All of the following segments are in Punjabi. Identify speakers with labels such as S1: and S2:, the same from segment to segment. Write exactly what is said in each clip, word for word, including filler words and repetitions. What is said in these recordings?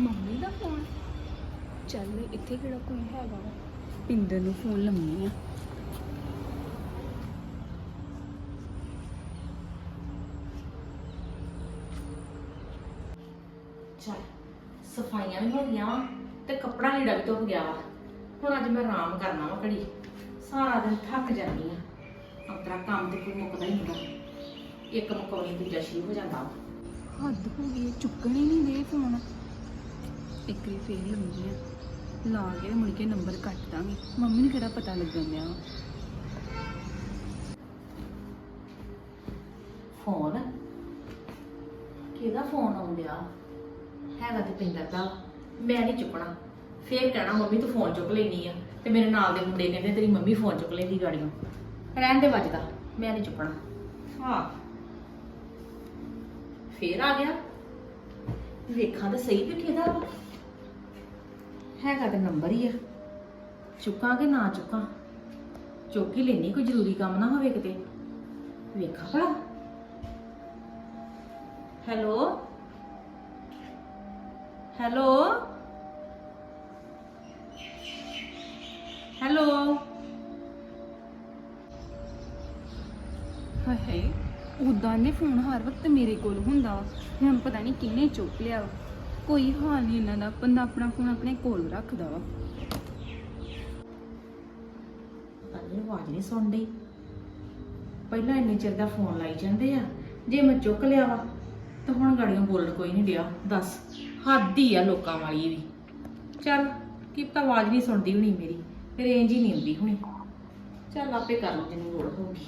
S1: ਮੰਮੀ ਦਾ ਫੋਨ। ਚੱਲ ਇੱਥੇ ਕਿਹੜਾ ਕੋਈ ਹੈਗਾ ਵਾ, ਪਿੰਦਰ ਨੂੰ ਫੋਨ ਲਾਉਣੀ ਆ।
S2: ਚੱਲ ਸਫਾਈਆਂ ਵੀ ਹੋ ਗਈਆਂ ਵਾ ਤੇ ਕੱਪੜਾ ਲੀੜਾ ਵੀ ਧੁੱਪ ਗਿਆ ਵਾ। ਹੁਣ ਅੱਜ ਮੈਂ ਆਰਾਮ ਕਰਨਾ ਵਾ ਘੜੀ। ਸਾਰਾ ਦਿਨ ਥੱਕ ਜਾਂਦੀ ਆ। ਆਪਣਾ ਕੰਮ ਤੇ ਕੋਈ ਮੁੱਕਦਾ ਹੀ ਨਹੀਂ। ਇੱਕ ਮੁਕਾਉਣੀ ਦੂਜਾ ਸ਼ੁਰੂ ਹੋ ਜਾਂਦਾ ਵਾ।
S1: ਹੱਦ ਹੋ ਗਈ ਹੈ, ਚੁੱਕਣ ਹੀ ਨਹੀਂ ਦੇ ਫੋਨ। ਇੱਕ ਵਾਰੀ ਫੇਰ ਲਾਉਂਦੀ ਆ, ਲਾ ਕੇ ਮੁੜ ਕੇ ਨੰਬਰ ਕੱਟ ਦਾਂਗੀ। ਮੰਮੀ ਨੂੰ ਕਿਹੜਾ ਪਤਾ ਲੱਗਣ ਡਿਆ ਵਾ।
S2: ਫੋਨ ਕਿਹਦਾ ਫੋਨ ਆਉਂਦਿਆ ਹੈਗਾ ਤੇ ਪਿੰਦਰ ਦਾ। ਮੈਂ ਨਹੀਂ ਚੁੱਕਣਾ। ਫੇਰ ਕਹਿਣਾ ਮੰਮੀ ਤੂੰ ਫੋਨ ਚੁੱਕ ਲੈਣੀ ਆ ਤੇ ਮੇਰੇ ਨਾਲ ਦੇ ਮੁੰਡੇ ਕਹਿੰਦੇ ਤੇਰੀ ਮੰਮੀ ਫੋਨ ਚੁੱਕ ਲੈਂਦੀ ਗਾੜੀਆਂ। ਰਹਿਣ ਦੇ ਵੱਜਦਾ, ਮੈਂ ਨਹੀਂ ਚੁੱਕਣਾ। ਹਾਂ ਫੇਰ ਆ ਗਿਆ। ਵੇਖਾਂ ਤਾਂ ਸਹੀ ਵੀ ਕਿਹਦਾ ਵਾ। ਹੈਗਾ ਤੇ ਨੰਬਰ ਹੀ ਆ। ਚੁੱਕਾਂ ਕਿ ਨਾ ਚੁੱਕਾਂ। ਚੁੱਕ ਹੀ ਲੈਣੀ, ਕੋਈ ਜ਼ਰੂਰੀ ਕੰਮ ਨਾ ਹੋਵੇ ਕਿਤੇ। ਵੇਖਾਂ ਭਲਾ। Hello hello hello.
S1: ਹਾਏ ਹਾਏ, ਉਦਾਂ ਦੇ ਫੋਨ ਹਰ ਵਕਤ ਮੇਰੇ ਕੋਲ ਹੁੰਦਾ ਵਾ। ਹੁਣ ਪਤਾ ਨਹੀਂ ਕਿਹਨੇ ਚੁੱਕ ਲਿਆ ਵਾ। ਕੋਈ ਹਾਲ ਨਹੀਂ ਇਹਨਾਂ ਦਾ, ਬੰਦਾ ਆਪਣਾ ਫੋਨ ਆਪਣੇ ਕੋਲ ਰੱਖਦਾ ਵਾ।
S2: ਅੰਨੀ ਆਵਾਜ਼ ਨਹੀਂ ਸੁਣਦੀ। ਪਹਿਲਾਂ ਇੰਨੇ ਚਿਰ ਦਾ ਫੋਨ ਲਾਈ ਜਾਂਦੇ ਆ। ਜੇ ਮੈਂ ਚੁੱਕ ਲਿਆ ਵਾ ਤਾਂ ਹੁਣ ਗਾੜੀਆਂ ਬੋਲਣ ਕੋਈ ਨਹੀਂ ਡਿਆ। ਦੱਸ ਹੱਦ ਹੀ ਆ ਲੋਕਾਂ ਵਾਲੀ ਵੀ। ਚੱਲ ਕੀ ਪਤਾ ਆਵਾਜ਼ ਨਹੀਂ ਸੁਣਦੀ ਹੋਣੀ ਮੇਰੀ, ਰੇਂਜ ਹੀ ਨਹੀਂ ਆਉਂਦੀ ਹੋਣੀ। ਚੱਲ ਆਪੇ ਕਰ ਲਓ ਜਿੰਨੀ ਲੋੜ ਹੋਊਗੀ।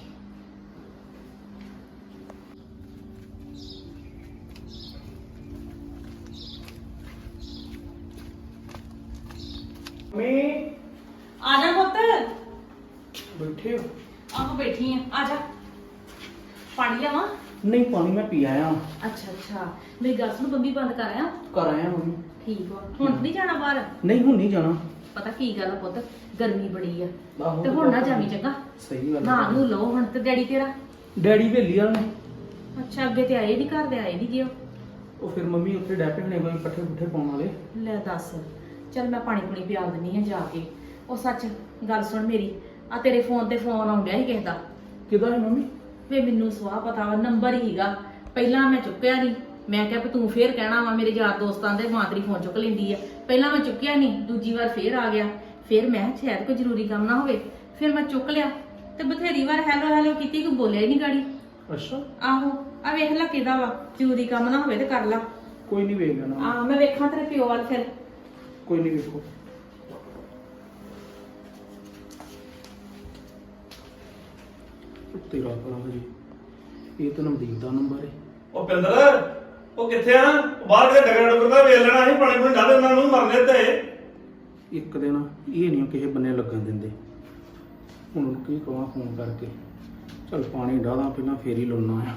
S3: ਮੈਂ
S2: ਆ ਜਾ ਪੁੱਤ।
S3: ਬੈਠੇ ਹੋ?
S2: ਆਹ ਬੈਠੀ ਆ। ਆ ਜਾ ਪਾਣੀ ਲਿਆਵਾਂ?
S3: ਨਹੀਂ ਪਾਣੀ ਮੈਂ ਪੀ ਆਇਆ।
S2: ਅੱਛਾ ਅੱਛਾ, ਮੇਰੀ ਗੱਲ ਸੁਣ, ਬੰਬੀ ਬੰਦ ਕਰ ਆਇਆ।
S3: ਕਰ ਆਇਆ ਮੰਮੀ।
S2: ਠੀਕ ਆ। ਹੁਣ ਨਹੀਂ ਜਾਣਾ ਬਾਹਰ?
S3: ਨਹੀਂ ਹੁਣ ਨਹੀਂ ਜਾਣਾ।
S2: ਪਤਾ ਕੀ ਗੱਲ ਆ ਪੁੱਤ, ਗਰਮੀ ਬੜੀ ਆ
S3: ਆਹੋ
S2: ਤੇ ਹੁਣ ਨਾ ਜਾਵੀਂ ਚੰਗਾ।
S3: ਸਹੀ ਗੱਲ
S2: ਨਾ ਨੂੰ ਲਓ ਹੁਣ। ਤੇ ਡੈਡੀ ਤੇਰਾ?
S3: ਡੈਡੀ ਵੇਲੀ ਵਾਲੇ ਨੇ।
S2: ਅੱਛਾ, ਅੱਗੇ ਤੇ ਆਏ ਨਹੀਂ, ਘਰ ਦੇ ਆਏ ਨਹੀਂ ਗਿਓ।
S3: ਉਹ ਫਿਰ ਮੰਮੀ ਉੱਥੇ ਡੈਪੇ ਹੋਣੇ ਕੋਈ ਪੱਠੇ ਪੁੱਠੇ ਪਾਉਣ ਵਾਲੇ।
S2: ਲੈ ਦੱਸ। ਚੱਲ ਮੈਂ ਪਾਣੀ ਪੁਣੀ ਪਿਆ ਦਿੰਨੀ ਆ ਜਾ ਕੇ। ਉਹ ਸੱਚ ਗੱਲ ਸੁਣ ਮੇਰੀ, ਆ ਤੇਰੇ ਫੋਨ ਤੇ ਫੋਨ ਆਉਂਦਿਆ ਸੀ ਕਿਸੇ ਦਾ।
S3: ਕਿਹਦਾ ਹੈ ਮੰਮੀ?
S2: ਵੇ ਮੈਨੂੰ ਸਵਾਹ ਪਤਾ ਵਾ, ਨੰਬਰ ਹੀਗਾ। ਪਹਿਲਾਂ ਮੈਂ ਚੁੱਕਿਆ ਨਹੀਂ। ਮੈਂ ਕਿਹਾ ਵੀ ਤੂੰ ਫੇਰ ਕਹਿਣਾ ਵਾ ਮੇਰੇ ਯਾਰ ਦੋਸਤਾਂ ਦੇ ਮਾਂ ਤੇਰੀ ਫੋਨ ਚੁੱਕ ਲੈਂਦੀ ਆ। ਪਹਿਲਾਂ ਮੈਂ ਚੁੱਕਿਆ ਨਹੀਂ, ਦੂਜੀ ਵਾਰ ਫੇਰ ਆ ਗਿਆ। ਫਿਰ ਮੈਂ ਕਿਹਾ ਸ਼ਾਇਦ ਕੋਈ ਜ਼ਰੂਰੀ ਕੰਮ ਨਾ ਹੋਵੇ। ਫਿਰ ਮੈਂ ਚੁੱਕ ਲਿਆ ਤੇ ਬਥੇਰੀ ਵਾਰ ਹੈਲੋ ਹੈਲੋ ਕੀਤੀ, ਕੋਈ ਬੋਲਿਆ ਹੀ ਨਹੀਂ ਗਾੜੀ।
S3: ਅੱਛਾ
S2: ਆਹੋ ਆ ਵੇਖ ਲੈ ਕਿਹਦਾ ਵਾ। ਜ਼ਰੂਰੀ ਕੰਮ ਨਾ ਹੋਵੇ ਤੇ ਕਰ ਲਾ।
S3: ਕੋਈ ਨਹੀਂ ਵੇਖ ਲੈਣਾ।
S2: ਆ ਮੈਂ ਵੇਖਾਂ ਤੇਰੇ ਪਿਓ ਵੱਲ ਫਿਰ।
S3: ਕੋਈ ਨਹੀਂ ਵੇਖੋ। ਤੇਰਾ ਭਰਾ ਜੀ, ਇਹ ਤਾਂ ਨਮਦੀਪ ਦਾ ਨੰਬਰ ਹੈ।
S4: ਉਹ ਪਿੰਦਰ, ਉਹ ਕਿੱਥੇ ਆ? ਬਾਹਰ ਕਿਤੇ ਡਗਰ ਡਗਰ ਦਾ ਵੇਲ ਲੈਣਾ ਸੀ। ਪਾਣੀ ਪੂਣੀ ਡਾਲੇ ਉਹਨਾਂ ਨੂੰ ਮਰਨੇ ਤੇ।
S3: ਇੱਕ ਦਿਨ ਇਹ ਨਹੀਂ ਕਿਸੇ ਬੰਨੇ ਲੱਗਣ ਦਿੰਦੇ। ਹੁਣ ਉਹਨੂੰ ਕੀ ਕਹਾਂ ਫੋਨ ਕਰਕੇ। ਚਲ ਪਾਣੀ ਡਾਲਾਂ ਪਹਿਲਾਂ ਫੇਰ ਹੀ ਲਾਉਣਾ ਆ।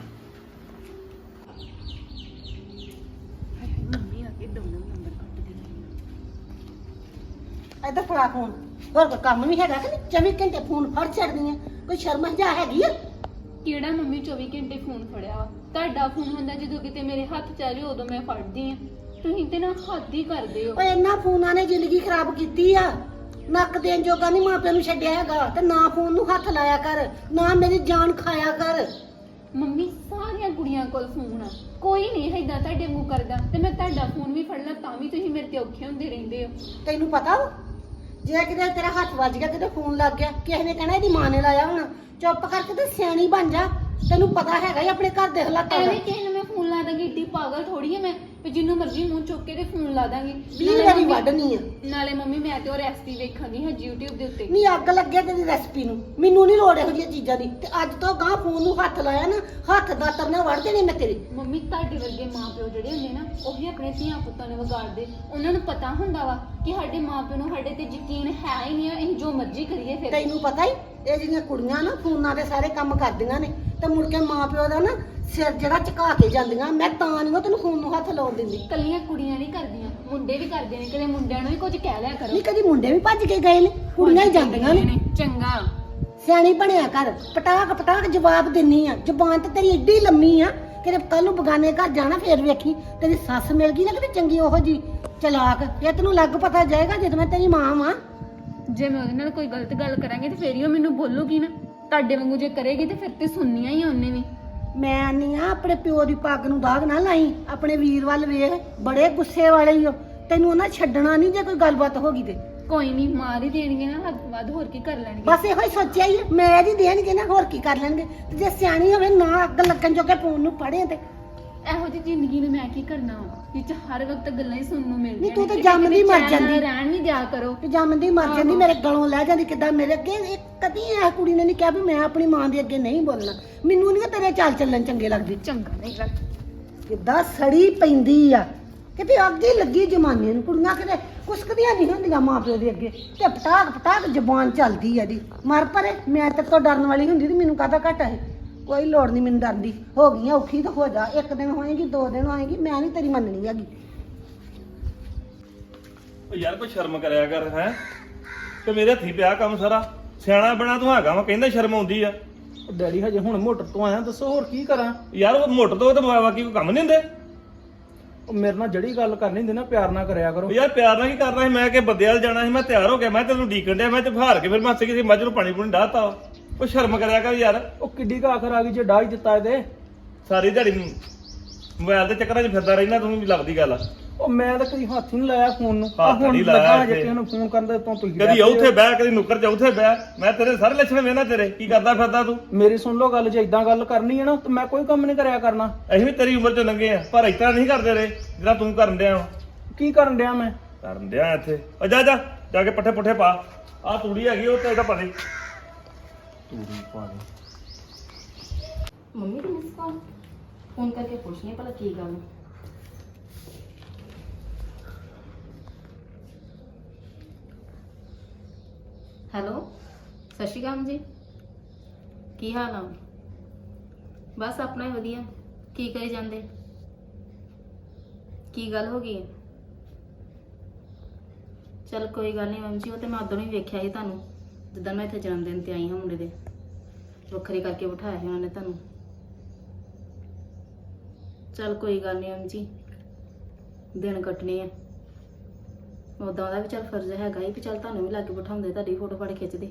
S1: ਹਾਏ ਹਾਏ, ਮੰਮੀ ਆ ਕੇ ਦੋਨੋਂ ਨੰਬਰ ਕੱਟ ਦੇ।
S5: ਇੱਧਰ ਫੜਾ ਫੋਨ। ਹੋਰ ਕੋਈ ਕੰਮ ਵੀ ਹੈਗਾ ਕਿ ਨਹੀਂ? ਚੌਵੀ ਘੰਟੇ ਫੋਨ ਫੜ ਛੱਡਦੀ ਆ। ਕੋਈ ਸ਼ਰਮ ਹਜਾ ਹੈਗੀ ਆ?
S1: ਕਿਹੜਾ ਮੰਮੀ ਚੌਵੀ ਘੰਟੇ ਫੋਨ ਫੜਿਆ ਵਾ? ਤੁਹਾਡਾ ਫੋਨ ਹੁੰਦਾ ਜਦੋਂ ਕਿਤੇ ਮੇਰੇ ਹੱਥ ਚ ਆ ਜਾਵੇ ਉਦੋਂ ਮੈਂ ਫੜਦੀ ਆ। ਤੁਸੀਂ ਤੇ ਨਾ ਹੱਦ ਹੀ ਕਰਦੇ ਹੋ।
S5: ਓਏ ਇਹਨਾਂ ਫੋਨਾਂ ਨੇ ਜ਼ਿੰਦਗੀ ਖਰਾਬ ਕੀਤੀ ਆ। ਨੱਕ ਦੇਣ ਜੋਗਾ ਨਹੀਂ ਮਾਪਿਆਂ ਨੂੰ ਛੱਡਿਆ ਹੈਗਾ। ਤੇ ਨਾ ਫੋਨ ਨੂੰ ਹੱਥ ਲਾਇਆ ਕਰ, ਨਾ ਮੇਰੀ ਜਾਨ ਖਾਇਆ ਕਰ।
S1: ਮੰਮੀ ਸਾਰੀਆਂ ਕੁੜੀਆਂ ਕੋਲ ਫੋਨ ਆ, ਕੋਈ ਨਹੀਂ ਏਦਾਂ ਤੁਹਾਡੇ ਮੂੰਹ ਕਰਦਾ। ਤੇ ਮੈਂ ਤੁਹਾਡਾ ਫੋਨ ਵੀ ਫੜ ਲਾਂ ਤਾਂ ਵੀ ਤੁਸੀਂ ਮੇਰੇ ਤੇ ਔਖੇ ਹੁੰਦੇ ਰਹਿੰਦੇ ਹੋ।
S5: ਤੈਨੂੰ ਪਤਾ ਵਾ, ਜੇ ਕਿਤੇ ਤੇਰਾ ਹੱਥ ਵੱਜ ਗਿਆ, ਕਿਤੇ ਫੋਨ ਲੱਗ ਗਿਆ, ਕਿਸੇ ਨੇ ਕਹਿਣਾ ਇਹਦੀ ਮਾਂ ਨੇ ਲਾਇਆ ਹੋਣਾ। ਚੁੱਪ ਕਰਕੇ ਤੇ ਸਿਆਣੀ ਬਣ ਜਾ। ਤੈਨੂੰ ਪਤਾ ਹੈਗਾ ਹੀ ਆਪਣੇ ਘਰ ਦੇ ਹਾਲਾਤਾਂ ਦਾ।
S1: ਐਵੇਂ ਕਿਸੇ ਨੂੰ ਮੈਂ ਫੋਨ ਲਾ ਦਾਂਗੀ? ਏਡੀ ਪਾਗਲ ਥੋੜੀ ਆ ਮੈਂ ਵੀ ਜਿੰਨੂੰ ਮਰਜ਼ੀ ਮੂੰਹ ਚੁੱਕ ਕੇ ਤੇ ਫੋਨ ਲਾ ਦਾਂਗੀ।
S5: ਵੀਹ ਵਾਰੀ ਵੱਢਣੀ ਆ।
S1: ਨਾਲੇ ਮੰਮੀ ਮੈਂ ਤੇ ਉਹ ਰੈਸਪੀ ਵੇਖਾਂਗੀ ਹਾਂ YouTube ਦੇ ਉੱਤੇ।
S5: ਨਹੀਂ ਅੱਗ ਲੱਗੇ ਤੇਰੀ ਰੈਸਪੀ ਨੂੰ। ਮੈਨੂੰ ਨਹੀਂ ਲੋੜ ਇਹੋ ਜਿਹੀਆਂ ਚੀਜ਼ਾਂ ਦੀ। ਤੇ ਅੱਜ ਤੋਂ ਗਾਂ ਫੋਨ ਨੂੰ ਹੱਥ ਲਾਇਆ ਨਾ, ਹੱਥ ਦਾ ਤਰਨਾ ਵੜ ਦੇਣੇ ਮੈਂ ਤੇਰੇ।
S1: ਮੰਮੀ ਤੁਹਾਡੇ ਵਰਗੇ ਮਾਪਿਓ ਜਿਹੜੇ ਹੁੰਦੇ ਨਾ, ਉਹੀ ਆਪਣੇ ਧੀਆਂ ਪੁੱਤਾਂ ਨੂੰ ਵਿਗਾੜਦੇ। ਉਹਨਾਂ ਨੂੰ ਪਤਾ ਹੁੰਦਾ ਵਾ ਕਿ ਸਾਡੇ ਮਾਪਿਓ ਨੂੰ ਸਾਡੇ ਤੇ ਯਕੀਨ ਹੈ ਹੀ ਨਹੀਂ ਆ, ਅਸੀਂ ਜੋ ਮਰਜ਼ੀ ਕਰੀਏ। ਫਿਰ
S5: ਤੈਨੂੰ ਪਤਾ ਹੀ ਇਹ ਜਿਹੜੀਆਂ ਕੁੜੀਆਂ ਨਾ ਫੋਨਾਂ ਦੇ ਸਾਰੇ ਕੰਮ ਕਰਦੀਆਂ ਨੇ ਤੇ ਮੁੜ ਕੇ ਮਾਪਿਓ ਦਾ ਨਾ ਸਿਰ ਜਿਹੜਾ ਝੁਕਾ ਕੇ ਜਾਂਦੀਆਂ। ਮੈਂ ਤਾਂ ਨਹੀਂ ਤੈਨੂੰ ਫੋਨ ਨੂੰ ਹੱਥ ਲਾਉਣ ਦਿੰਦੀ।
S1: ਕੱਲੀਆਂ ਕੁੜੀਆਂ ਨਹੀਂ ਕਰਦੀਆਂ, ਮੁੰਡੇ ਵੀ ਕਰਦੇ ਨੇ। ਕਦੇ ਮੁੰਡਿਆਂ ਨੂੰ ਵੀ ਕੁਝ ਕਹਿ ਲਿਆ ਕਰੋ।
S5: ਨਹੀਂ ਕਦੀ ਮੁੰਡੇ ਵੀ ਭੱਜ ਕੇ ਗਏ ਨੇ, ਕੁੜੀਆਂ ਹੀ ਜਾਂਦੀਆਂ ਨੇ।
S1: ਚੰਗਾ
S5: ਸਿਆਣੀ ਬਣਿਆ ਕਰ। ਪਟਾਕ ਪਟਾਕ ਜਵਾਬ ਦਿੰਨੀ ਆ। ਜ਼ੁਬਾਨ ਤੇ ਤੇਰੀ ਏਡੀ ਲੰਮੀ ਆ ਕਿ ਕੱਲ ਨੂੰ ਬਗਾਨੇ ਘਰ ਜਾਣਾ ਫੇਰ ਵੇਖੀ ਤੇਰੀ ਸੱਸ ਮਿਲ ਗਈ ਨਾ ਕਿਤੇ ਚੰਗੀ ਉਹੋ ਜੀ ਚਲਾਕ ਇਹ ਤੈਨੂੰ ਲੱਗ ਪਤਾ ਜਾਏਗਾ ਜਦ ਮੈਂ ਤੇਰੀ ਮਾਂ ਵਾਂ।
S1: ਜੇ ਮੈਂ ਉਹਦੇ ਨਾਲ ਕੋਈ ਗਲਤ ਗੱਲ ਕਰਾਂਗੀ ਤੇ ਫੇਰ ਹੀ ਉਹ ਮੈਨੂੰ ਬੋਲੂਗੀ ਨਾ। ਤੁਹਾਡੇ ਵਾਂਗੂ ਜੇ ਕਰੇਗੀ ਤੇ ਫਿਰ ਤੇ ਸੁਣਨੀਆਂ ਹੀ ਆ ਉਹਨੇ ਵੀ।
S5: ਮੈਂ ਨਹੀਂ ਆ ਆਪਣੇ ਪਿਓ ਦੀ ਪੱਗ ਨੂੰ ਦਾਗ ਨਾ ਲਾਈ। ਆਪਣੇ ਵੀਰ ਵੱਲ ਵੇਖ, ਬੜੇ ਗੁੱਸੇ ਵਾਲੇ ਹੀ ਹੋ। ਤੈਨੂੰ ਉਹਨਾਂ ਛੱਡਣਾ ਨਹੀਂ ਜੇ ਕੋਈ ਗੱਲਬਾਤ ਹੋ ਗਈ ਤੇ।
S1: ਕੋਈ ਨਹੀਂ, ਮਾਰ ਹੀ ਦੇਣਗੇ ਨਾ, ਹੱਦ ਵੱਧ ਹੋਰ ਕੀ ਕਰ ਲੈਣਗੇ।
S5: ਬਸ ਇਹੋ ਹੀ ਸੋਚਿਆ ਹੀ ਆ, ਮੈਂ ਇਹਦੀ ਦੇਣਗੇ ਨਾ, ਹੋਰ ਕੀ ਕਰ ਲੈਣਗੇ। ਤੇ ਜੇ ਸਿਆਣੀ ਹੋਵੇ ਨਾ ਅੱਗ ਲੱਗਣ ਜੋਗੇ ਫੋਨ ਨੂੰ ਪੜੇ ਤੇ
S1: ਇਹੋ ਜਿਹੀ ਜ਼ਿੰਦਗੀ ਨੂੰ ਮੈਂ ਕੀ ਕਰਨਾ ਵਾ ਜਿੱਚ ਹਰ ਵਕਤ ਗੱਲਾਂ ਹੀ ਸੁਣਨ ਨੂੰ ਮਿਲਦੀਆਂ
S5: ਨਹੀਂ, ਤੂੰ
S1: ਨੇ।
S5: ਤਾਂ ਜੰਮਦੀ ਮਰ
S1: ਚੈਨ ਨਾਲ
S5: ਜਾਂਦੀ।
S1: ਰਹਿਣ ਵੀ ਦਿਆ ਕਰੋ।
S5: ਤੇ ਜੰਮਦੀ ਮਰ ਜਾਂਦੀ, ਮੇਰੇ ਗਲੋਂ ਲੈ ਜਾਂਦੀ ਕਿੱਦਾਂ ਮੇਰੇ ਅੱਗੇ। ਇਹ ਕਦੀ ਇਹ ਕੁੜੀ ਨੇ ਨਹੀਂ ਕਿਹਾ ਵੀ ਮੈਂ ਆਪਣੀ ਮਾਂ ਦੇ ਅੱਗੇ ਨਹੀਂ ਬੋਲਣਾ। ਮੈਨੂੰ ਨਹੀਂ ਤੇਰੇ ਚਾਲ ਚੱਲਣ ਚੰਗੇ ਲੱਗਦੇ।
S1: ਚੰਗਾ ਨਹੀਂ ਲੱਗਦਾ।
S5: ਕਿੱਦਾਂ ਸੜੀ ਪੈਂਦੀ ਆ ਕਿਤੇ ਅੱਗੇ ਲੱਗੀ ਜਮਾਨੇ ਨੂੰ। ਕੁੜੀਆਂ ਕਿਤੇ ਕੁਸਕਦੀਆਂ ਨਹੀਂ ਹੁੰਦੀਆਂ ਮਾਂ ਪਿਓ ਦੇ ਅੱਗੇ ਤੇ ਪਟਾਕ ਪਟਾਕ ਜ਼ਬਾਨ ਚੱਲਦੀ ਆ ਇਹਦੀ। ਮਰ ਪਰੇ, ਮੈਂ ਤੇਰੇ ਤੋਂ ਡਰਨ ਵਾਲੀ ਹੁੰਦੀ ਤੇ ਮੈਨੂੰ ਕਾਹਦਾ ਘਾਟਾ ਹੈ। ਕੋਈ ਲੋੜ ਨਹੀਂ ਮੈਨੂੰ ਡਰਨ ਦੀ। ਹੋ ਗਈ ਆ ਔਖੀ ਤਾਂ ਹੋ ਜਾ, ਇੱਕ ਦਿਨ ਹੋਏਗੀ, ਦੋ ਦਿਨ ਹੋਏਗੀ, ਮੈਂ ਨਹੀਂ ਤੇਰੀ ਮੰਨਣੀ ਹੈਗੀ।
S4: ਉਹ ਯਾਰ ਕੋਈ ਸ਼ਰਮ ਕਰਿਆ ਕਰ ਹੈ ਤੇ ਮੇਰੇ ਹੱਥੀ ਪਿਆ ਕੰਮ ਸਾਰਾ। ਸਿਆਣਾ ਬਣਾ ਤੂੰ ਹੈਗਾ ਵਾ, ਕਹਿੰਦਾ ਸ਼ਰਮ ਆਉਂਦੀ ਆ।
S3: ਉਹ ਡੈਡੀ ਹਜੇ ਹੁਣ ਮੋਟਰ ਤੋਂ ਆਇਆ, ਦੱਸੋ ਹੋਰ ਕੀ ਕਰਾਂ।
S4: ਯਾਰ ਉਹ ਮੋਟਰ ਤੋਂ ਤੇ ਬਾਕੀ ਕੋਈ ਕੰਮ ਨਹੀਂ ਹੁੰਦੇ।
S3: ਉਹ ਮੇਰੇ ਨਾਲ ਜਿਹੜੀ ਗੱਲ ਕਰਨੀ ਹੁੰਦੀ ਨਾ ਪਿਆਰ ਨਾਲ ਕਰਿਆ ਕਰੋ।
S4: ਉਹ ਯਾਰ ਪਿਆਰ ਨਾਲ ਕੀ ਕਰਨਾ ਸੀ, ਮੈਂ ਕਿ ਬੰਦੇ ਵੱਲ ਜਾਣਾ ਸੀ, ਮੈਂ ਤਿਆਰ ਹੋ ਗਿਆ, ਮੈਂ ਤੈਨੂੰ ਡੀਕਣ ਡਿਆ, ਮੈਂ ਤੇ ਹਾਰ ਕੇ ਫਿਰ ਮੈਂ ਹੱਸ ਕਿਸੇ ਮੱਝ ਨੂੰ ਪਾਣੀ ਪੂਣੀ ਡਾਹਤਾ। ਉਹ ਸ਼ਰਮ ਕਰਿਆ ਕਰ ਯਾਰ।
S3: ਉਹ ਕਿੱਡੀ ਕੁ ਆਖਰ ਆ ਗਈ ਜੇ ਡਾਹ ਹੀ ਦਿੱਤਾ ਇਹਦੇ।
S4: ਸਾਰੀ ਦਿਹਾੜੀ ਮੋਬਾਈਲ ਦੇ ਚੱਕਰਾਂ 'ਚ ਫਿਰਦਾ ਰਹਿਣਾ, ਤੂੰ ਵੀ ਲੱਗਦੀ ਗੱਲ।
S3: ਉਹ ਮੈਂ ਤਾਂ ਕਦੀ ਹੱਥ ਹੀ ਨਹੀਂ ਲਾਇਆ ਫੋਨ ਨੂੰ। ਆ
S4: ਹੱਥ
S3: ਹੁਣ
S4: ਨਹੀਂ ਲਾਇਆ
S3: ਲੱਗਾ ਜੇ
S4: ਇੱਥੇ।
S3: ਕਿਸੇ ਨੂੰ ਫੋਨ ਕਰਨ ਦੇ ਤੋਂ ਤੁਸੀਂ
S4: ਕਦੀ ਉੱਥੇ ਬਹਿ ਕਦੀ ਨੁੱਕਰ 'ਚ ਉੱਥੇ ਬਹਿ। ਮੈਂ ਤੇਰੇ ਸਾਰੇ ਲੱਛਣ ਵੇਖਣਾ ਤੇਰੇ, ਕੀ ਕਰਦਾ ਫਿਰਦਾ ਤੂੰ।
S3: ਮੇਰੀ ਸੁਣ ਲਓ ਗੱਲ, ਜੇ ਇਦਾਂ ਗੱਲ ਕਰਨੀ ਹੈ ਨਾ ਤਾਂ ਮੈਂ ਕੋਈ ਕੰਮ ਨਹੀਂ ਕਰਿਆ ਕਰਨਾ।
S4: ਅਸੀਂ ਵੀ ਤੇਰੀ ਉਮਰ 'ਚ ਲੰਘੇ ਆ, ਪਰ ਇਤਨਾ ਨਹੀਂ ਕਰਦੇ ਰਹੇ ਜਿਹੜਾ ਤੂੰ ਕਰਨ ਡਿਆ ਵਾ।
S3: ਕੀ ਕਰਨ ਡਿਆ ਮੈਂ?
S4: ਕਰਨ ਡਿਆ ਇੱਥੇ। ਉਹ ਜਾ ਜਾ ਜਾ ਕੇ ਪੱਠੇ ਪੁੱਠੇ ਪਾ। ਆਹ ਤੂੜੀ ਹੈਗੀ ਉਹ ਤੇ ਇਹਦਾ ਪਾ ਦੇ। ਤੂੜੀ ਪਾ ਦੇ।
S2: ਮੰਮੀ ਦੀ ਮਿਸ ਕਾਲ ਫੋਨ ਕਰਕੇ ਪੁੱਛਣੀ ਭਲਾ ਕੀ ਗੱਲ। ਹੈਲੋ, ਸਤਿ ਸ਼੍ਰੀ ਅਕਾਲ ਜੀ। ਕੀ ਹਾਲ ਆ? ਬਸ ਆਪਣਾ ਹੀ ਵਧੀਆ। ਕੀ ਕਰੀ ਜਾਂਦੇ? ਕੀ ਗੱਲ ਹੋ ਗਈ? ਚਲ ਕੋਈ ਗੱਲ ਨਹੀਂ ਮੈਮ ਜੀ, ਉਹ ਤੇ ਮੈਂ ਉਦੋਂ ਹੀ ਵੇਖਿਆ ਸੀ ਤੁਹਾਨੂੰ, ਜਿੱਦਾਂ ਮੈਂ ਇੱਥੇ ਜਨਮ ਦਿਨ ਤੇ ਆਈ ਹਾਂ ਮੁੰਡੇ ਦੇ। ਵੱਖਰੇ ਕਰਕੇ ਬਿਠਾਇਆ ਸੀ ਉਹਨਾਂ ਨੇ ਤੁਹਾਨੂੰ। ਚਲ ਕੋਈ ਗੱਲ ਨਹੀਂ ਮੈਮ ਜੀ, ਦਿਨ ਕੱਟਣੇ ਆ। ਉਦਾਂ ਦਾ ਵੀ ਚੱਲ ਫਰਜ਼ ਹੈਗਾ ਹੀ ਵੀ ਚੱਲ ਤੁਹਾਨੂੰ ਵੀ ਲਾਗੇ ਬਿਠਾਉਂਦੇ, ਤੁਹਾਡੀ ਫੋਟੋ ਫੜ ਖਿੱਚਦੇ।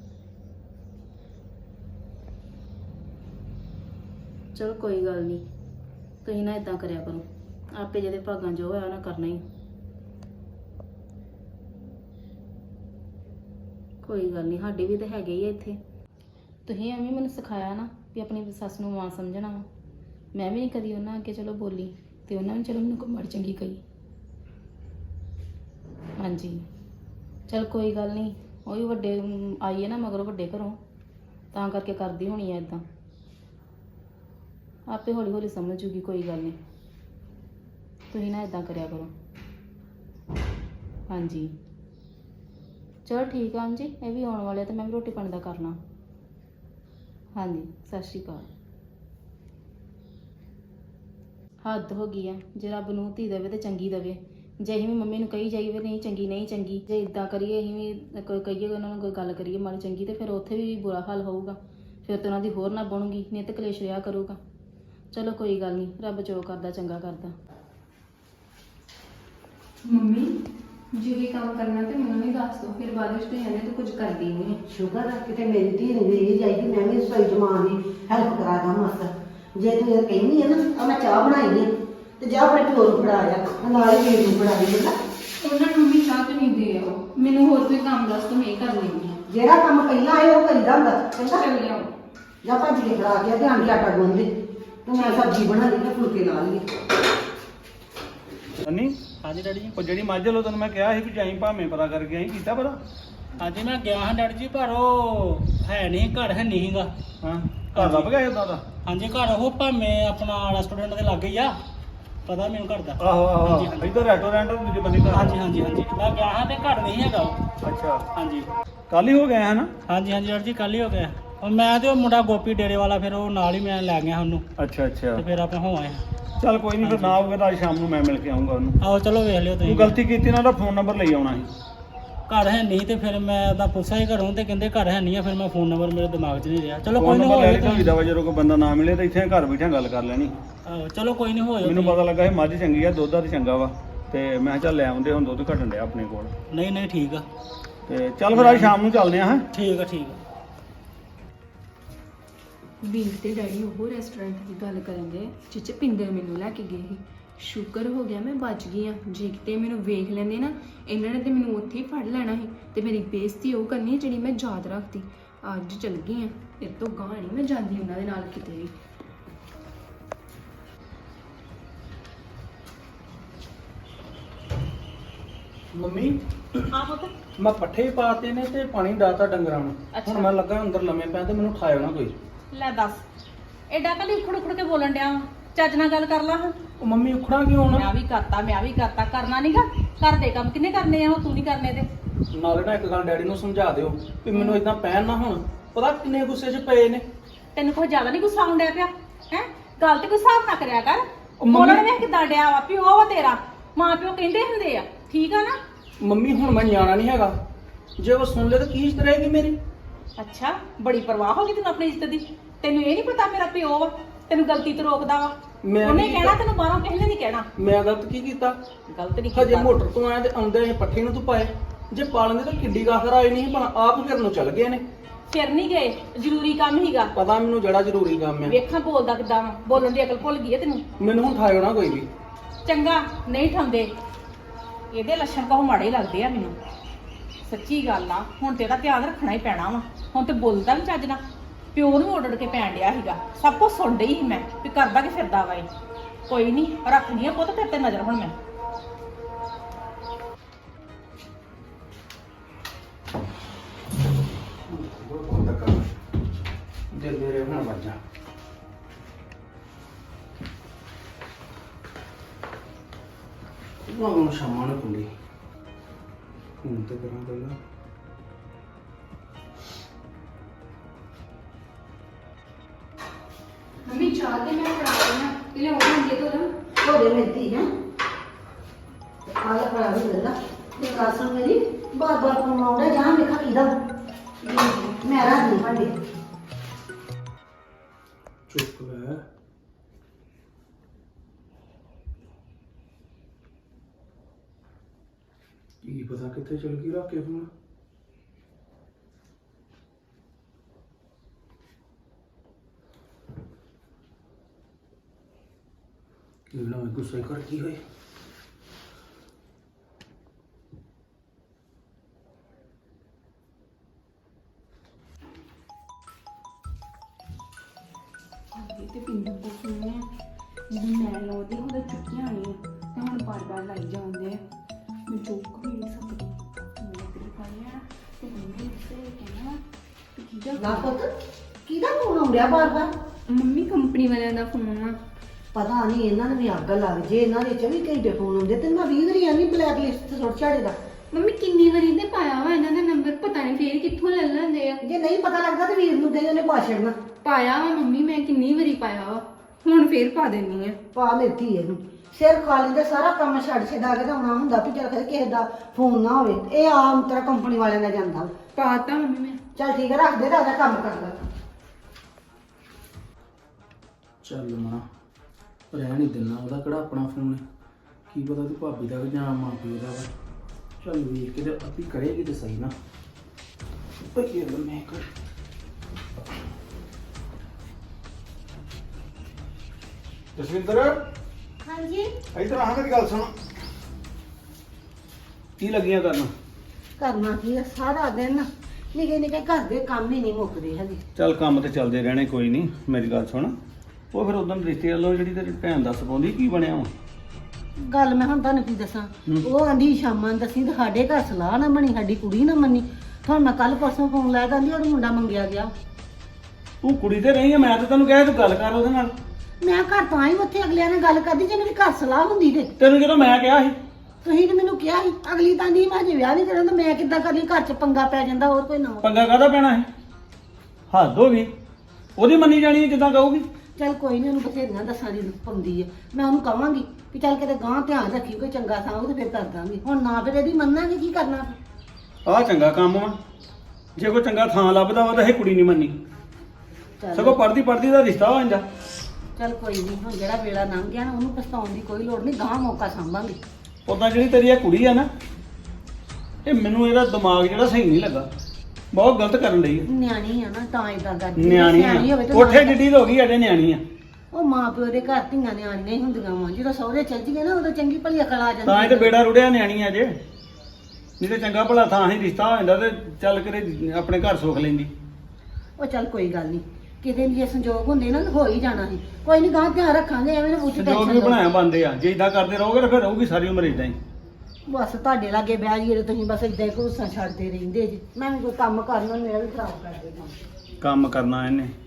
S2: ਚਲੋ ਕੋਈ ਗੱਲ ਨਹੀਂ, ਤੁਸੀਂ ਨਾ ਇਦਾਂ ਕਰਿਆ ਕਰੋ, ਆਪੇ ਜਿਹਦੇ ਭਾਗਾਂ ਜੋ ਹੋਇਆ ਉਹਨਾਂ ਕਰਨਾ ਹੀ। ਕੋਈ ਗੱਲ ਨਹੀਂ, ਸਾਡੀ ਵੀ ਤਾਂ ਹੈਗੇ ਹੀ ਆ ਇੱਥੇ। ਤੁਸੀਂ ਐਵੇਂ ਮੈਨੂੰ ਸਿਖਾਇਆ ਨਾ ਵੀ ਆਪਣੀ ਸੱਸ ਨੂੰ ਮਾਂ ਸਮਝਣਾ ਵਾ। ਮੈਂ ਵੀ ਨਹੀਂ ਕਦੀ ਉਹਨਾਂ ਅੱਗੇ ਚਲੋ ਬੋਲੀ ਤੇ ਉਹਨਾਂ ਨੇ ਚਲੋ ਮੈਨੂੰ ਕੋਈ ਮਾੜੀ ਚੰਗੀ ਕਹੀ। ਹਾਂਜੀ ਚਲ ਕੋਈ ਗੱਲ ਨਹੀਂ, ਉਹ ਵੀ ਵੱਡੇ ਅਮ, ਆਈ ਹੈ ਨਾ ਮਗਰੋਂ ਵੱਡੇ ਘਰੋਂ, ਤਾਂ ਕਰਕੇ ਕਰਦੀ ਹੋਣੀ ਹੈ ਇਦਾਂ। ਆਪੇ ਹੌਲੀ ਹੌਲੀ ਸਮਝ ਜੂਗੀ, ਕੋਈ ਗੱਲ ਨਹੀਂ। ਤੁਸੀਂ ਨਾ ਇਦਾਂ ਕਰਿਆ ਕਰੋ। ਹਾਂਜੀ ਚਲੋ ਠੀਕ ਆ ਜੀ, ਇਹ ਵੀ ਆਉਣ ਵਾਲੇ ਤੇ ਮੈਂ ਵੀ ਰੋਟੀ ਪਾਣੀ ਦਾ ਕਰਨਾ। ਹਾਂਜੀ ਸਤਿ ਸ਼੍ਰੀ ਅਕਾਲ। ਹੱਦ ਹੋ ਗਈ ਆ, ਜੇ ਰੱਬ ਨੂੰ ਧੀ ਦੇਵੇ ਤੇ ਚੰਗੀ ਦੇਵੇ। ਜੇ ਅਸੀਂ ਵੀ ਮੰਮੀ ਨੂੰ ਕਹੀ ਜਾਈਏ ਨਹੀਂ ਚੰਗੀ ਨਹੀਂ ਚੰਗੀ, ਜੇ ਇਦਾਂ ਕਰੀਏ ਅਸੀਂ ਵੀ ਕੋਈ ਕਹੀਏ ਉਹਨਾਂ ਨੂੰ ਕੋਈ ਗੱਲ ਕਰੀਏ ਮਾੜੀ ਚੰਗੀ, ਤੇ ਫਿਰ ਉੱਥੇ ਵੀ ਬੁਰਾ ਹਾਲ ਹੋਊਗਾ। ਫਿਰ ਤਾਂ ਉਹਨਾਂ ਦੀ ਹੋਰ ਨਾ ਬਣੂਗੀ, ਨਹੀਂ ਤੇ ਕਲੇਸ਼ ਰਿਹਾ ਕਰੂਗਾ। ਚਲੋ ਕੋਈ ਗੱਲ ਨਹੀਂ, ਰੱਬ ਜੋ ਕਰਦਾ ਚੰਗਾ ਕਰਦਾ।
S1: ਮੰਮੀ ਜੇ ਵੀ ਕੰਮ ਕਰਨਾ ਤੇ ਮੈਨੂੰ ਵੀ ਦੱਸ ਦਿਓ, ਫਿਰ ਬਾਅਦ ਵਿੱਚ ਤੇ ਇਹਨੇ ਤੂੰ ਕੁਝ ਕਰਦੀ ਨਹੀਂ।
S5: ਸ਼ੁਕਰ ਆ ਕਿਤੇ ਮੇਰੀ ਧੀ ਨੂੰ ਵੇਖ ਜਾਈਦੀ, ਮੈਂ ਵੀ ਰਸੋਈ 'ਚ ਮਾਂ ਦੀ ਹੈਲਪ ਕਰਾ ਦਾਂ ਮਸਤ। ਜੇ ਤੂੰ ਇਹ ਕਹਿੰਦੀ ਹੈ ਨਾ ਆ ਮੈਂ ਚਾਹ ਬਣਾਈ ਹੈ ਤੇ ਜਾ ਆਪਣੇ ਪਿਓ ਨੂੰ ਫੜਾ ਆ, ਨਾਲ ਹੀ ਵੀਰ ਨੂੰ ਫੜਾ ਦੇ ਨਾ।
S1: ਉਹਨਾਂ ਨੂੰ ਵੀ ਚਾਹ ਤੇ ਨਹੀਂ ਦੇ ਆਓ, ਮੈਨੂੰ ਹੋਰ ਕੋਈ ਕੰਮ ਦੱਸ ਤੂੰ ਮੈਂ ਕਰ ਲੈਂਦੀ ਹਾਂ।
S5: ਜਿਹੜਾ ਕੰਮ ਪਹਿਲਾਂ ਆਏ ਉਹ ਕਰੀਦਾ ਹੁੰਦਾ ਚੰਗਾ।
S1: ਚੱਲ ਲਿਆਓ।
S5: ਜਾਂ ਭੱਜ ਕੇ ਫੜਾ ਗਿਆ, ਧਿਆਨ ਦੀ ਆਟਾ ਗੁੰਨ ਦੇ ਤੇ ਮੈਂ ਸਬਜ਼ੀ ਬਣਾ ਲਈ ਤੇ ਫੁਲਕੇ ਲਾ ਲਈਏ।
S3: ਅੰਨੀ
S6: ਹਾਂਜੀ ਡੈਡੀ ਜੀ।
S3: ਉਹ ਜਿਹੜੀ ਮੱਝ ਲੋ ਤੈਨੂੰ ਮੈਂ ਕਿਹਾ ਸੀ ਵੀ ਜਾਈ ਭਾਵੇਂ ਪਤਾ ਕਰਕੇ ਆਈ, ਕੀਤਾ ਪਤਾ?
S6: ਹਾਂਜੀ ਮੈਂ ਗਿਆ ਹਾਂ ਡੈਡੀ ਜੀ, ਪਰ ਉਹ ਹੈ ਨਹੀਂ, ਘਰ ਹੈ ਨਹੀਂ ਸੀਗਾ।
S3: ਹਾਂ ਘਰ ਲੱਭ ਗਿਆ ਉਦਾਂ ਦਾ?
S6: ਹਾਂਜੀ ਘਰ ਉਹ ਭਾਵੇਂ ਆਪਣਾ ਰੈਸਟੋਰੈਂਟ ਦੇ ਲਾਗੇ ਹੀ ਆ, ਪਤਾ ਮੈਨੂੰ ਘਰ ਦਾ।
S3: ਆਹੋ ਆਹੋ
S6: ਹਾਂਜੀ, ਹਾਂਜੀ।
S3: ਇੱਧਰ ਰੈਸਟੋਰੈਂਟ ਦੂਜੇ ਬੰਦੇ ਘਰ।
S6: ਹਾਂਜੀ ਹਾਂਜੀ ਹਾਂਜੀ ਮੈਂ ਗਿਆ ਹਾਂ ਤੇ ਘਰ ਨਹੀਂ ਹੈਗਾ ਉਹ।
S3: ਅੱਛਾ
S6: ਹਾਂਜੀ
S3: ਕੱਲ ਹੀ ਹੋ ਗਏ ਹਨ?
S6: ਹਾਂਜੀ ਹਾਂਜੀ ਡੈਡੀ ਜੀ ਕੱਲ ਹੀ ਹੋ ਗਿਆ। ਉਹ ਮੈਂ ਤੇ ਉਹ ਮੁੰਡਾ ਗੋਪੀ ਡੇਰੇ ਵਾਲਾ, ਫਿਰ ਉਹ ਨਾਲ ਹੀ ਮੈਂ ਲੈ ਗਿਆ ਉਹਨੂੰ,
S3: ਅੱਛਾ ਅੱਛਾ
S6: ਤੇ ਫਿਰ ਆਪਾਂ ਹੋ ਆਏ।
S3: ਚੱਲ ਕੋਈ ਨਹੀਂ, ਫਿਰ ਨਾ ਹੋਵੇ ਤਾਂ ਅੱਜ ਸ਼ਾਮ ਨੂੰ ਮੈਂ ਮਿਲ ਕੇ ਆਉਂਗਾ ਉਹਨੂੰ।
S6: ਆਓ ਚਲੋ ਵੇਖ ਲਿਓ
S3: ਤੂੰ
S6: ਤੁਸੀਂ।
S3: ਗਲਤੀ ਕੀਤੀ ਨਾ, ਉਹਦਾ ਫੋਨ ਨੰਬਰ ਲਈ ਆਉਣਾ ਸੀ।
S6: ਘਰ ਹੈ ਨਹੀਂ ਤੇ ਫਿਰ ਮੈਂ ਉਹਦਾ ਪੁੱਛਿਆ ਹੀ ਘਰੋਂ, ਤੇ ਕਹਿੰਦੇ ਘਰ ਹੈ ਨਹੀਂ ਆ, ਫਿਰ ਮੈਂ ਫੋਨ ਨੰਬਰ ਮੇਰੇ ਦਿਮਾਗ 'ਚ ਨਹੀਂ ਰਿਹਾ। ਚਲੋ ਕੋਈ
S3: ਫੋਨ
S6: ਨਹੀਂ
S3: ਨੰਬਰ ਲੈ
S6: ਹੋਏ
S3: ਕੇ ਹੋਈਦਾ ਵਾ, ਜਦੋਂ ਕੋਈ ਬੰਦਾ ਨਾ ਮਿਲੇ ਤਾਂ ਇੱਥੇ ਘਰ ਬੈਠਿਆਂ ਗੱਲ ਕਰ ਲੈਣੀ।
S6: ਆਹੋ ਚਲੋ ਕੋਈ ਨਹੀਂ ਹੋਏ।
S3: ਮੈਨੂੰ ਪਤਾ ਲੱਗਾ ਇਹ ਮੱਝ ਚੰਗੀ ਆ, ਦੁੱਧ ਦਾ ਤੇ ਚੰਗਾ ਵਾ। ਤੇ ਮੈਂ ਕਿਹਾ ਚੱਲ ਲੈ ਆਉਂਦੇ, ਹੁਣ ਦੁੱਧ ਘਟਣ ਡਿਆ ਆਪਣੇ ਕੋਲ।
S6: ਨਹੀਂ ਨਹੀਂ ਠੀਕ ਆ
S3: ਤੇ ਚੱਲ ਫਿਰ ਅੱਜ ਸ਼ਾਮ ਨੂੰ ਚੱਲਦੇ ਆ। ਹਾਂ
S6: ਠੀਕ ਆ ਠੀਕ ਆ।
S1: ਵੀਰ ਤੇ ਡੈਡੀ ਉਹ ਰੈਸਟੋਰੈਂਟ ਦੀ ਗੱਲ ਕਰਨ ਦੇ ਜਿੱਚ ਪਿੰਦਰ ਮੈਨੂੰ ਲੈ ਕੇ ਗਏ ਸੀ। ਸ਼ੁਕਰ ਹੋ ਗਿਆ ਮੈਂ ਬਚ ਗਈ ਆ, ਜੇ ਕਿਤੇ ਮੈਨੂੰ ਵੇਖ ਲੈਂਦੇ ਨਾ ਇਹਨਾਂ ਨੇ ਤੇ ਮੈਨੂੰ ਉੱਥੇ ਹੀ ਫੜ ਲੈਣਾ ਸੀ ਤੇ ਮੇਰੀ ਬੇਇੱਜ਼ਤੀ ਉਹ ਕਰਨੀ ਜਿਹੜੀ ਮੈਂ ਯਾਦ ਰੱਖਦੀ। ਅੱਜ ਚਲ ਗਈ ਆ, ਇਹ ਤੋਂ ਗਾਂ ਨਹੀਂ ਮੈਂ ਜਾਂਦੀ ਉਹਨਾਂ ਦੇ ਨਾਲ ਕਿਤੇ ਵੀ।
S3: ਮੰਮੀ ਮੈਂ ਪੱਠੇ ਵੀ ਪਾਤੇ ਨੇ ਤੇ ਪਾਣੀ ਡਾਤਾ ਡੰਗਰਾਂ ਨੂੰ। ਹੁਣ ਮੈਂ ਲੱਗਾ ਅੰਦਰ ਲੰਮੇ ਪਿਆ ਤੇ ਮੈਨੂੰ ਉਠਾਇਓ ਨਾ ਕੋਈ।
S2: ਲੈ ਦੱਸ ਐਡਾ ਕਲੀ ਉਖੜ ਉਖੜ ਕੇ ਬੋਲਣ ਡਿਆ ਵਾਂ? ਚੱਜ ਨਾਲ ਗੱਲ ਕਰ ਲਾ ਹਾਂ।
S3: ਉਹ ਮੰਮੀ ਉਖੜਾ ਕਿਉਂ ਹੋਣਾ?
S2: ਮੈਂ ਵੀ ਕਰਤਾ ਮੈਂ ਵੀ ਕਰਤਾ ਕਰਨਾ ਨਹੀਂਗਾ। ਘਰ ਦੇ ਕੰਮ ਕਿੰਨੇ ਕਰਨੇ ਆ, ਉਹ ਤੂੰ ਨਹੀਂ ਕਰਨੇ ਤੇ।
S3: ਨਾਲੇ ਨਾ ਇੱਕ ਗੱਲ ਡੈਡੀ ਨੂੰ ਸਮਝਾ ਦਿਓ ਵੀ ਮੈਨੂੰ ਇਦਾਂ ਪੈਣ ਨਾ ਹੁਣ। ਪਤਾ ਕਿੰਨੇ ਗੁੱਸੇ 'ਚ ਪਏ ਨੇ।
S2: ਤੈਨੂੰ ਕੋਈ ਜ਼ਿਆਦਾ ਨਹੀਂ ਗੁੱਸਾ ਆਉਂਦਾ ਪਿਆ ਹੈ? ਗੱਲ ਤੇ ਕੋਈ ਹਿਸਾਬ ਨਾ ਕਰਿਆ ਕਰ।
S3: ਉਹ ਮੰਮੀ-
S2: ਬੋਲਣ ਵੇਖ ਕਿੱਦਾਂ ਡਿਆ ਵਾ, ਪਿਓ ਵਾ ਤੇਰਾ, ਮਾਂ ਪਿਓ ਕਹਿੰਦੇ ਹੁੰਦੇ ਆ, ਠੀਕ ਆ ਨਾ?
S3: ਮੰਮੀ ਹੁਣ ਮੈਂ ਨਿਆਣਾ ਨਹੀਂ ਹੈਗਾ, ਜੇ ਉਹ ਸੁਣ ਲੇ ਤਾਂ ਕੀ ਇੱਜ਼ਤ ਰਹੇਗੀ ਮੇਰੀ?
S2: ਅੱਛਾ ਬੜੀ ਪਰਵਾਹ ਹੋ ਗਈ ਤੈਨੂੰ ਆਪਣੀ ਇੱਜ਼ਤ ਦੀ। ਤੈਨੂੰ ਇਹ ਨਹੀਂ ਪਤਾ ਮੇਰਾ ਪਿਓ ਵਾ, ਤੈਨੂੰ ਗਲਤੀ ਤੋਂ ਰੋਕਦਾ ਵਾ।
S3: ਮੈਂ
S2: ਉਹਨੇ
S3: ਨਹੀਂ
S2: ਕਹਿਣਾ,
S3: ਕੀਤਾ।
S2: ਤੈਨੂੰ ਬਾਹਰੋਂ ਕਿਸੇ ਨੇ ਨਹੀਂ ਕਹਿਣਾ।
S3: ਮੈਂ ਗਲਤ ਕੀ ਕੀਤਾ?
S2: ਗਲਤ ਨਹੀਂ
S3: ਹਜੇ
S2: ਕੀਤਾ।
S3: ਮੋਟਰ ਤੋਂ ਆਇਆ ਤੇ ਆਉਂਦੇ ਇਹ ਪੱਠੇ ਨੂੰ ਤੂੰ ਪਾਏ। ਜੇ ਪਾਲਣਗੇ ਤਾਂ ਕਿੱਡੀ ਗਾਖਰ ਆਏ ਨਹੀਂ ਬਣਾ, ਆਪ ਘਰ ਨੂੰ ਚੱਲ ਗਏ ਨੇ।
S2: ਫਿਰ ਨਹੀਂ ਗਏ, ਜ਼ਰੂਰੀ ਕੰਮ ਹੀਗਾ।
S3: ਪਤਾ ਮੈਨੂੰ ਜਿਹੜਾ ਜ਼ਰੂਰੀ ਕੰਮ ਹੈ।
S2: ਵੇਖਾਂ ਬੋਲਦਾ ਕਿੱਦਾਂ ਵਾ, ਬੋਲਣ ਦੀ ਅਕਲ ਭੁੱਲ ਗਈ ਹੈ ਤੈਨੂੰ।
S3: ਮੈਨੂੰ ਹੁਣ ਠਾਇਓ ਨਾ ਕੋਈ ਵੀ।
S2: ਚੰਗਾ ਨਹੀਂ ਠਾਉਂਦੇ, ਇਹਦੇ ਲੱਛਣ ਕਹੋ ਮਾੜੇ ਲੱਗਦੇ ਆ ਮੈਨੂੰ। ਸੱਚੀ ਗੱਲ ਆ, ਹੁਣ ਤੇ ਇਹਦਾ ਧਿਆਨ ਰੱਖਣਾ ਹੀ ਪੈਣਾ ਵਾ। ਹੁਣ ਤੇ ਬੋਲਦਾ ਵੀ ਚੱਜ ਨਾਲ। ਪਿਓ ਨੂੰ ਉੱਡ ਉੱਡ ਕੇ ਪੈਣ ਡਿਆ ਸੀਗਾ, ਸਭ ਕੁਝ ਸੁਣ ਡਈ ਸੀ ਮੈਂ ਵੀ ਕਰਦਾ ਕਿ ਫਿਰਦਾ ਵਾ ਇਹ। ਕੋਈ ਨਹੀਂ, ਰੱਖਣੀ ਆ ਪੁੱਤ ਤੇਰੇ ਤੇ ਨਜ਼ਰ ਹੁਣ ਮੈਂ।
S3: ਦਿਲ ਮੇਰੇ ਹੁਣ ਵੱਜਾ। ਉਹ ਸ਼ਾਮਾਂ ਨੂੰ ਕੁੰਡੀ ਹੁਣ ਤੇ ਕਰਾਂ ਪਹਿਲਾਂ।
S1: ਮੰਮੀ ਚਾਹ ਤੇ ਮੈਂ ਫੜਾ ਦੇਣਾ ਤੇ ਲਿਆਉਣਾ ਦੇ ਦੋ ਨਾ।
S5: ਹੋਰੇ ਮਿਲਦੀ ਹੈ ਆਲਾ ਪੜਾ ਵੀ ਲੱਲਾ ਤੇ ਕਾਸਨ ਮੇਰੀ ਬਾਰ ਬਾਰ ਫੋਨ ਆਉਂਦਾ ਜਾਂ ਵੇਖਾ ਕਿਦਾ ਮੈਂ ਰਾਤ ਨਹੀਂ ਭਾਂਡੇ।
S3: ਚੁੱਪ ਲੈ। ਕੀ ਪਤਾ ਕਿੱਥੇ ਚਲ ਗਈ ਰੱਖ ਕੇ ਫੋਨ। ਕੀ ਨਾ ਮੈਂ ਗੁੱਸੇ ਕਰ ਕੀ ਹੋਏ।
S1: ਇਹ ਤੇ ਪਿੰਡੋਂ ਤੋਂ ਸੁਣਿਆ ਜਦੋਂ ਮੈਂ ਲਾਉਂਦੀ ਉਹਦਾ ਚੁੱਕੀਆਂ ਨਹੀਂ ਤੇ ਹੁਣ ਬਾਰ ਬਾਰ ਲਾਈ ਜਾਂਦੇ ਆ। ਮੈਂ ਚੁੱਕ ਵੀ ਨਹੀਂ ਸਕਦੀ। ਮੈਂ ਕਿਹੜੀ ਪਾਇਆ ਤੇ ਮੰਮੀ ਇਸੇ ਕਹਿਣਾ ਕਿ ਕਿਹਦਾ
S5: ਨਾ ਪੁੱਤ ਕਿਹਦਾ ਫੋਨ ਆਉਂਦਾ ਬਾਰ ਬਾਰ?
S1: ਮੰਮੀ ਕੰਪਨੀ ਵਾਲਿਆਂ ਦਾ ਫੋਨ ਆ।
S5: ਪਤਾ ਨਹੀਂ ਇਹਨਾਂ ਨੂੰ ਵੀ ਅੱਗ ਲੱਗ ਜੇ, ਇਹਨਾਂ ਦੇ ਚੌਵੀ ਘੰਟੇ ਫੋਨ ਆਉਂਦੇ ਤੇ ਮੈਂ ਵੀਹ ਵਾਰੀ ਆਨੀ ਬਲੈਕ ਲਿਸਟ ਤੇ ਸੁੱਟ ਛਾੜੇ ਦਾ।
S1: ਮੰਮੀ ਕਿੰਨੀ ਵਾਰੀ ਤੇ ਪਾਇਆ ਵਾ ਇਹਨਾਂ ਦਾ ਨੰਬਰ, ਪਤਾ ਨਹੀਂ ਫੇਰ ਕਿੱਥੋਂ ਲੈ ਲੈਂਦੇ ਆ।
S5: ਜੇ ਨਹੀਂ ਪਤਾ ਲੱਗਦਾ ਤੇ ਵੀਰ ਨੂੰ ਕਹੀ ਉਹਨੇ ਪਾ ਛੱਡਣਾ।
S1: ਪਾਇਆ ਵਾ ਮੰਮੀ, ਮੈਂ ਕਿੰਨੀ ਵਾਰੀ ਪਾਇਆ ਵਾ, ਹੁਣ ਫੇਰ ਪਾ ਦੇਣੀ ਆ।
S5: ਪਾ ਲੈਤੀ ਇਹਨੂੰ ਸਿਰ ਖਾ ਲੈਂਦੇ, ਸਾਰਾ ਕੰਮ ਛੱਡ ਛਡਾ ਕੇ ਤਾਂ ਆਉਣਾ ਹੁੰਦਾ ਵੀ ਚੱਲ ਕਦੇ ਕਿਸੇ ਦਾ ਫੋਨ ਨਾ ਹੋਵੇ। ਇਹ ਆਮ ਤਰ੍ਹਾਂ ਕੰਪਨੀ ਵਾਲਿਆਂ ਦਾ ਜਾਂਦਾ।
S1: ਪਾਤਾ ਮੰਮੀ ਮੈਂ।
S5: ਚੱਲ ਠੀਕ ਹੈ ਰੱਖ ਦੇ, ਰਾਜਾ ਕੰਮ ਕਰਦਾ।
S3: ਚੱਲ ਮਾਂ ਰਹਿਣ ਹੀ ਦਿੰਦਾ, ਉਹਦਾ ਕਿਹੜਾ ਆਪਣਾ ਫੋਨ ਹੈ। ਕੀ ਪਤਾ ਤੂੰ ਭਾਬੀ ਦਾ ਜਾਂ ਮਾਂ ਪਿਓ ਦਾ ਵਾ। ਚੱਲ ਵੇਖ ਕੇ ਤੇ ਆਪੀ ਕਰੇਗੀ ਤੇ ਸਹੀ ਨਾ। ਭਈ ਇਹ ਮੈਂ ਕਰ ਜਸਵਿੰਦਰ।
S5: ਹਾਂਜੀ
S3: ਇਧਰ ਆਹ ਮੇਰੀ ਗੱਲ ਸੁਣ। ਕੀ ਲੱਗੀਆਂ ਕਰਨ?
S5: ਕਰਨਾ ਕੀ ਆ, ਸਾਰਾ ਦਿਨ ਨਿੱਕੇ ਨਿੱਕੇ ਘਰ ਦੇ ਕੰਮ ਹੀ ਨਹੀਂ ਮੁੱਕਦੇ ਹੈਗੇ।
S3: ਚੱਲ ਕੰਮ ਤੇ ਚੱਲਦੇ ਰਹਿਣੇ, ਕੋਈ ਨਹੀਂ। ਮੇਰੀ ਗੱਲ ਸੁਣ, ਉਹ ਫਿਰ ਉਦੋਂ ਰਿਸ਼ਤੇ ਵੱਲੋਂ ਜਿਹੜੀ ਤੇਰੀ ਭੈਣ ਦੱਸ ਪਾਉਂਦੀ ਕੀ ਬਣਿਆ ਵਾ?
S5: ਗੱਲ ਮੈਂ ਹੁਣ ਤੁਹਾਨੂੰ ਕੀ ਦੱਸਾਂ।
S3: ਹੂੰ।
S5: ਉਹ ਆਂਦੀ ਸ਼ਾਮਾਂ ਨੂੰ ਦੱਸੀ ਤੇ ਸਾਡੇ ਘਰ ਸਲਾਹ ਨਾ ਬਣੀ, ਸਾਡੀ ਕੁੜੀ ਨਾ ਮੰਨੀ। ਹੁਣ ਮੈਂ ਕੱਲ ਪਰਸੋਂ ਫੋਨ ਲਾਇਆ ਕਹਿੰਦੀ ਉਹਦਾ ਮੁੰਡਾ ਮੰਗਿਆ ਗਿਆ।
S3: ਤੂੰ ਕੁੜੀ ਤੇ ਰਹੀ ਆ, ਮੈਂ ਤਾਂ ਤੈਨੂੰ ਕਿਹਾ ਤੂੰ ਗੱਲ ਕਰ ਉਹਦੇ ਨਾਲ।
S5: ਮੈਂ ਘਰ ਤੋਂ ਆਈ, ਉੱਥੇ ਅਗਲਿਆਂ ਨੇ ਗੱਲ ਕਰਦੀ ਜੇ ਮੇਰੀ ਘਰ ਸਲਾਹ ਹੁੰਦੀ ਤੇ
S3: ਤੈਨੂੰ ਜਦੋਂ ਮੈਂ ਕਿਹਾ ਸੀ
S5: ਤੁਸੀਂ ਤੇ ਮੈਨੂੰ ਕਿਹਾ ਸੀ। ਅਗਲੀ ਤਾਂ ਨਹੀਂ ਮੈਂ ਜੇ ਵਿਆਹ ਨਹੀਂ ਕਰਾਂ ਤਾਂ ਮੈਂ ਕਿੱਦਾਂ ਕਰ ਲਈ? ਘਰ 'ਚ ਪੰਗਾ ਪੈ ਜਾਂਦਾ, ਹੋਰ ਕੋਈ ਨਾ।
S3: ਪੰਗਾ ਕਾਹਦਾ ਪੈਣਾ ਹੈ? ਹੱਦ ਹੋ ਗਈ, ਉਹਦੀ ਮੰਨੀ ਜਾਣੀ ਹੈ ਜਿੱਦਾਂ ਕਹੂਗੀ।
S5: ਚੱਲ ਕੋਈ ਨਹੀਂ, ਉਹਨੂੰ ਬਥੇਰੀਆਂ ਦੱਸਾਂ ਦੀ ਪਾਉਂਦੀ ਆ। ਮੈਂ ਉਹਨੂੰ ਕਵਾਂਗੀ ਕਿ ਚੱਲ ਕਿਤੇ ਗਾਂ ਧਿਆਨ ਰੱਖੀ, ਕੋਈ ਚੰਗਾ ਥਾਂ ਉਹ ਤੇ ਫਿਰ ਕਰ ਦਾਂਗੇ। ਹੁਣ ਨਾ ਫਿਰ ਇਹਦੀ ਮੰਨਾਂਗੇ ਕੀ ਕਰਨਾ।
S3: ਆਹ ਚੰਗਾ ਕੰਮ ਵਾ, ਜੇ ਕੋਈ ਚੰਗਾ ਥਾਂ ਲੱਭਦਾ ਵਾ ਤਾਂ ਇਹ ਕੁੜੀ ਨਹੀਂ ਮੰਨੀ।
S5: ਚੱਲ
S3: ਸਗੋਂ ਪੜਦੀ ਪੜਦੀ ਦਾ ਰਿਸ਼ਤਾ ਹੋ ਜਾਂਦਾ।
S5: ਚੱਲ ਕੋਈ ਨਹੀਂ, ਹੁਣ ਜਿਹੜਾ ਵੇਲਾ ਲੰਘ ਗਿਆ ਨਾ ਉਹਨੂੰ ਪਛਤਾਉਣ ਦੀ ਕੋਈ ਲੋੜ ਨਹੀਂ, ਗਾਂ ਮੌਕਾ ਸਾਂਭਾਂਗੇ।
S7: ਉਦਾਂ ਜਿਹੜੀ ਤੇਰੀ ਇਹ ਕੁੜੀ ਆ ਨਾ, ਇਹ ਮੈਨੂੰ ਇਹਦਾ ਦਿਮਾਗ ਜਿਹੜਾ ਸਹੀ ਨਹੀਂ ਲੱਗਾ, ਬਹੁਤ ਗਲਤ ਕਰਨ ਡਈ ਆ।
S5: ਨਿਆਣੀ ਆ ਨਾ ਤਾਂ ਇਦਾਂ ਕਰਦੀ
S7: ਨਿਆਣੀ
S5: ਸਿਆਣੀ
S7: ਆ,
S5: ਹੋਵੇ ਤਾਂ
S7: ਕੋਠੇ
S5: ਨਾ-
S7: ਜਿੱਡੀ ਤਾਂ ਹੋ ਗਈ ਅਜੇ ਨਿਆਣੀ ਆ।
S5: ਉਹ ਮਾਂ ਪਿਓ ਦੇ ਘਰ ਧੀਆਂ ਨਿਆਣੀਆਂ ਹੀ ਹੁੰਦੀਆਂ ਵਾ, ਜਦੋਂ ਸਹੁਰੇ ਚੱਲ ਜੀਏ ਨਾ ਉਦੋਂ ਚੰਗੀ ਭਲੀ ਅਕਲ ਆ ਜਾਂਦੀ
S7: ਤਾਂ ਇਹ ਤੇ ਬੇੜਾ ਰੁੜਿਆ ਨਿਆਣੀ ਆ ਜੇ, ਨਹੀਂ ਤੇ ਚੰਗਾ ਭਲਾ ਥਾਂ ਹੀ ਰਿਸ਼ਤਾ ਹੋ ਜਾਂਦਾ ਤੇ ਚੱਲ ਕਰੇ ਆਪਣੇ ਘਰ ਸੁੱਖ ਲੈਂਦੀ।
S5: ਉਹ ਚੱਲ ਕੋਈ ਗੱਲ ਨਹੀਂ, ਕਿਤੇ ਵੀ ਜੇ ਸੰਜੋਗ ਹੁੰਦੇ ਨਾ ਹੋ ਹੀ ਜਾਣਾ ਸੀ। ਕੋਈ ਨਹੀਂ ਗਾਂ ਧਿਆਨ ਰੱਖਾਂਗੇ, ਐਵੇਂ ਨਾ ਪੁੱਛ
S7: ਸੰਜੋਗ ਵੀ ਬਣਾਇਆ ਬੰਦੇ ਆ, ਜੇ ਇਦਾਂ ਕਰਦੇ ਰਹੋਗੇ ਤਾਂ ਫਿਰ ਰਹੂਗੀ ਸਾਰੀ ਉਮਰ ਇਦਾਂ ਹੀ।
S5: ਬਸ ਤੁਹਾਡੇ ਲਾਗੇ ਬਹਿ ਜੀਏ ਤੇ ਤੁਸੀਂ ਬਸ ਇਦਾਂ ਹੀ ਘੁੱਸਾ ਛੱਡਦੇ ਰਹਿੰਦੇ ਜੀ। ਮੈਂ ਵੀ ਕੋਈ ਕੰਮ ਕਰਨਾ, ਮੇਰਾ ਵੀ ਖਰਾਬ ਕਰ ਦੇਣਾ।
S7: ਕੰਮ ਕਰਨਾ ਇਹਨੇ